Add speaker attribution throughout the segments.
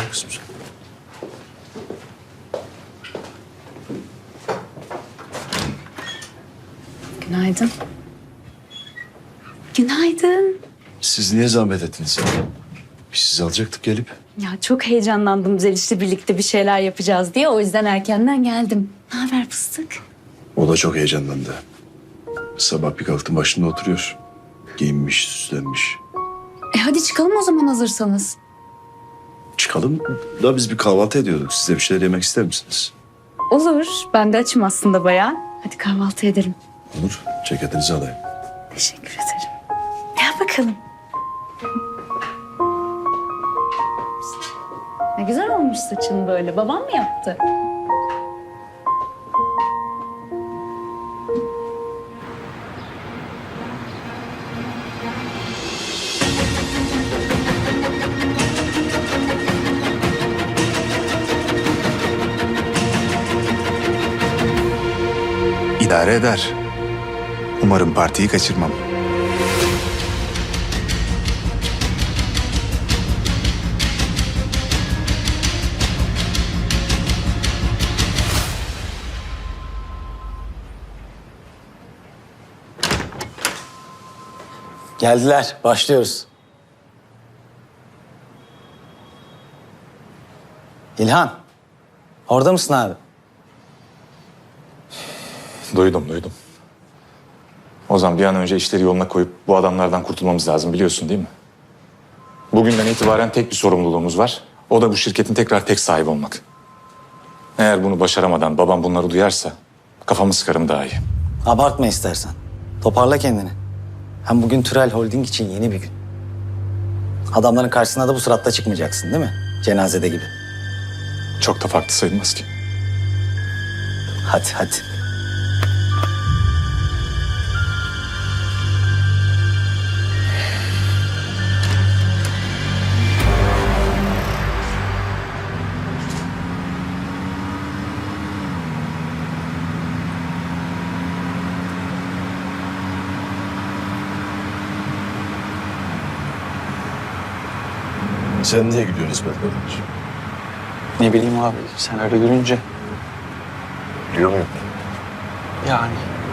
Speaker 1: kızım sen.
Speaker 2: Günaydın. Günaydın.
Speaker 1: Siz niye zahmet ettiniz? Biz sizi alacaktık gelip.
Speaker 2: Ya çok heyecanlandım Zeliş'le birlikte bir şeyler yapacağız diye. O yüzden erkenden geldim. Ne haber fıstık?
Speaker 1: O da çok heyecanlandı. Sabah bir kalktım başında oturuyor. Giyinmiş, süslenmiş.
Speaker 2: Hadi çıkalım o zaman hazırsanız.
Speaker 1: Çıkalım da biz bir kahvaltı ediyorduk. Siz de bir şeyler yemek ister misiniz?
Speaker 2: Olur. Ben de açım aslında bayağı. Hadi kahvaltı edelim.
Speaker 1: Olur. Ceketinizi alayım.
Speaker 2: Teşekkür ederim. Gel bakalım. Ne güzel olmuş saçın böyle. Babam mı yaptı?
Speaker 3: İdare eder. Umarım partiyi kaçırmam.
Speaker 4: Geldiler. Başlıyoruz. İlhan. Orada mısın abi?
Speaker 5: Duydum. Ozan bir an önce işleri yoluna koyup bu adamlardan kurtulmamız lazım biliyorsun değil mi? Bugünden itibaren tek bir sorumluluğumuz var. O da bu şirketin tekrar tek sahibi olmak. Eğer bunu başaramadan babam bunları duyarsa kafamı sıkarım daha iyi.
Speaker 4: Abartma istersen. Toparla kendini. Hem bugün Türel Holding için yeni bir gün. Adamların karşısına da bu suratta çıkmayacaksın değil mi? Cenazede gibi.
Speaker 5: Çok da farklı sayılmaz ki.
Speaker 4: Hadi.
Speaker 1: Sen niye gülüyorsun İsmet kardeş?
Speaker 6: Ne bileyim abi, sen öyle görünce.
Speaker 1: Biliyor muyum?
Speaker 6: Yani.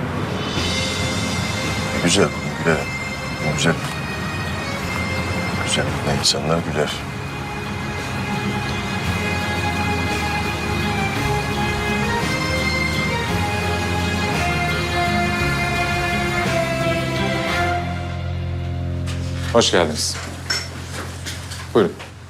Speaker 1: Güzel, güler. Güzel. Güzellikle insanlar güler.
Speaker 5: Hoş geldiniz. Buyurun.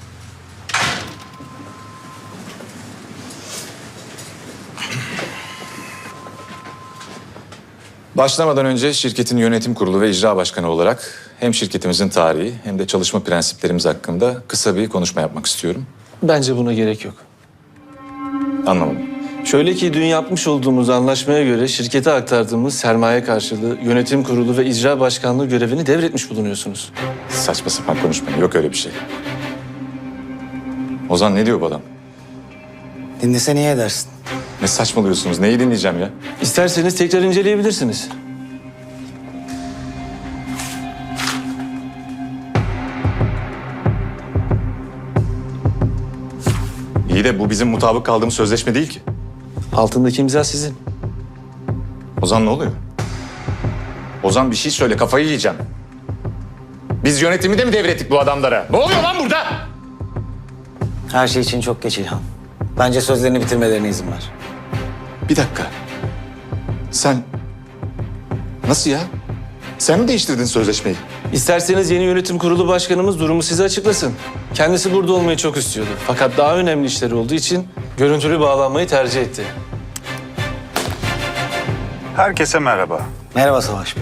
Speaker 5: Başlamadan önce şirketin yönetim kurulu ve icra başkanı olarak hem şirketimizin tarihi hem de çalışma prensiplerimiz hakkında kısa bir konuşma yapmak istiyorum.
Speaker 6: Bence buna gerek yok.
Speaker 5: Anlamadım.
Speaker 6: Şöyle ki dün yapmış olduğumuz anlaşmaya göre şirkete aktardığımız sermaye karşılığı yönetim kurulu ve icra başkanlığı görevini devretmiş bulunuyorsunuz.
Speaker 5: Saçma sapan konuşmayın. Yok öyle bir şey. Ozan ne diyor bu adam?
Speaker 4: Dinlese niye edersin?
Speaker 5: Ne saçmalıyorsunuz? Neyi dinleyeceğim ya?
Speaker 6: İsterseniz tekrar inceleyebilirsiniz.
Speaker 5: İyi de bu bizim mutabık kaldığımız sözleşme değil ki.
Speaker 6: Altındaki imza sizin.
Speaker 5: Ozan ne oluyor? Ozan bir şey söyle, kafayı yiyeceğim. Biz yönetimi de mi devrettik bu adamlara? Ne oluyor lan burada?
Speaker 4: Her şey için çok geç İlhan. Bence sözlerini bitirmelerine izin ver.
Speaker 5: Bir dakika. Sen... Nasıl ya? Sen mi değiştirdin sözleşmeyi?
Speaker 6: İsterseniz yeni yönetim kurulu başkanımız durumu size açıklasın. Kendisi burada olmayı çok istiyordu. Fakat daha önemli işleri olduğu için görüntülü bağlanmayı tercih etti.
Speaker 3: Herkese merhaba.
Speaker 4: Merhaba Savaş Bey.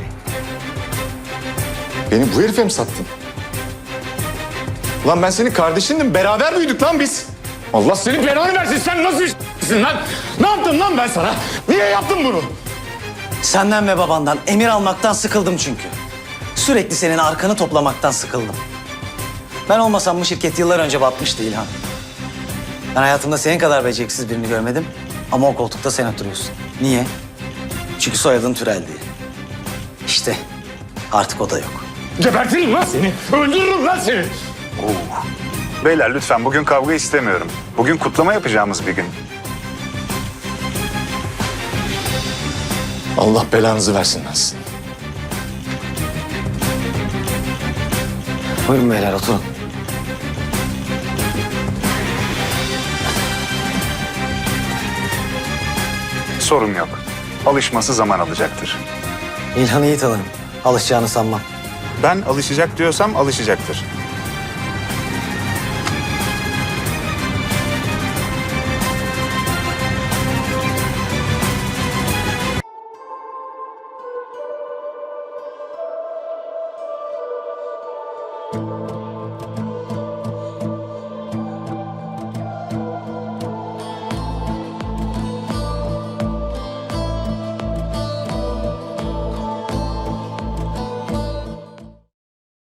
Speaker 5: Beni bu herife mi sattın? Lan ben senin kardeşindim. Beraber büyüdük lan biz. Allah senin belanı versin. Sen nasıl işsin lan? Ne yaptım lan ben sana? Niye yaptın bunu?
Speaker 4: Senden ve babandan emir almaktan sıkıldım çünkü. Sürekli senin arkanı toplamaktan sıkıldım. Ben olmasam bu şirket yıllar önce batmıştı İlhan. Ben hayatımda senin kadar beceriksiz birini görmedim ama o koltukta sen oturuyorsun. Niye? Çünkü soyadın Türel diye. İşte artık o da yok.
Speaker 5: Gebertirim lan seni. Öldürürüm lan seni.
Speaker 3: Beyler lütfen bugün kavga istemiyorum. Bugün kutlama yapacağımız bir gün.
Speaker 5: Allah belanızı versin lan sizin.
Speaker 4: Buyurun beyler oturun.
Speaker 3: Sorun yok. Alışması zaman alacaktır.
Speaker 4: İlhan'ı iyi tanırım. Alışacağını sanmam.
Speaker 3: Ben alışacak diyorsam alışacaktır.